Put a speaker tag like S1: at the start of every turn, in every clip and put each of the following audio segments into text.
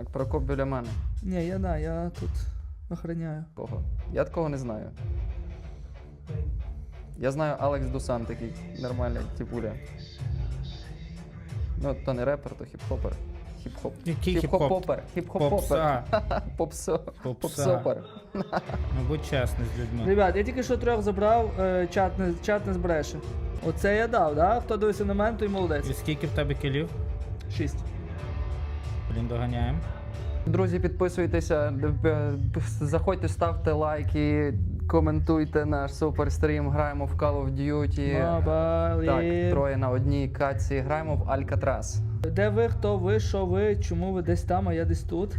S1: Прокоп біля мене.
S2: Ні, я тут охороняю.
S1: Кого? Я такого не знаю. Я знаю Алекс Дусан такий, нормальний, типуля. Ну, то не репер, то хіп-хопер. Хіп-хоп.
S3: Який
S1: Хіп-хоп-попер. Хіп-хоп-попер.
S3: Попса.
S1: Попсо.
S3: Попса.
S1: Попсопер.
S3: Ну, будь чесний з людьми.
S2: Ребят, я тільки що 3 забрав, чат не збереше. Оце я дав, да? Хто дивився на мене, той
S3: І
S2: молодець.
S3: скільки в тебе кілів?
S2: 6.
S3: Блін, доганяємо.
S1: Друзі, підписуйтеся, заходьте, ставте лайки, коментуйте наш суперстрім, граємо в Call of Duty. Так, 3 на 1 катці, граємо в Alcatraz.
S2: Де ви, хто ви, що ви, чому ви десь там, а я десь тут?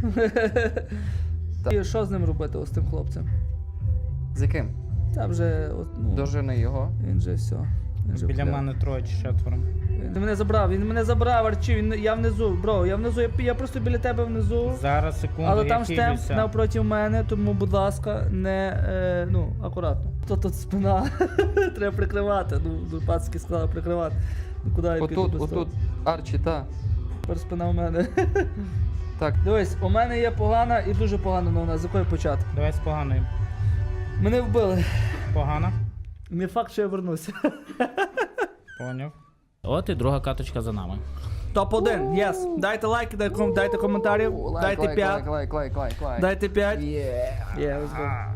S2: І що з ним робити, ось тим хлопцем?
S1: З яким?
S2: Та вже, от, ну,
S1: Дожени його.
S2: він же все. Він же
S3: Біля
S2: вкляв.
S3: мене 3 чи 4.
S2: Він мене забрав, Арчі, я внизу, бро, я внизу, я просто біля тебе внизу.
S3: Зараз, секунду,
S2: Але
S3: я
S2: там штемп
S3: хилюся.
S2: навпроти мене, тому, будь ласка, не, акуратно. То тут спина, треба прикривати, пацки сказали прикривати. Ну куди я піду
S1: Отут,
S2: без того?
S1: отут, Арчі, та.
S2: Тепер спина в мене.
S1: Так,
S2: Дивись, у мене є погана і дуже погана новина, з якої почати.
S3: Давай з поганою.
S2: Мене вбили.
S3: Погана?
S2: Не факт, що я вернуся.
S3: Поняв. От і друга каточка за нами.
S2: Топ-1, єс. Дайте лайки, дайте коментарів, дайте 5.
S1: лайк.
S2: Дайте 5.
S1: Yeah.
S2: Yeah, let's go.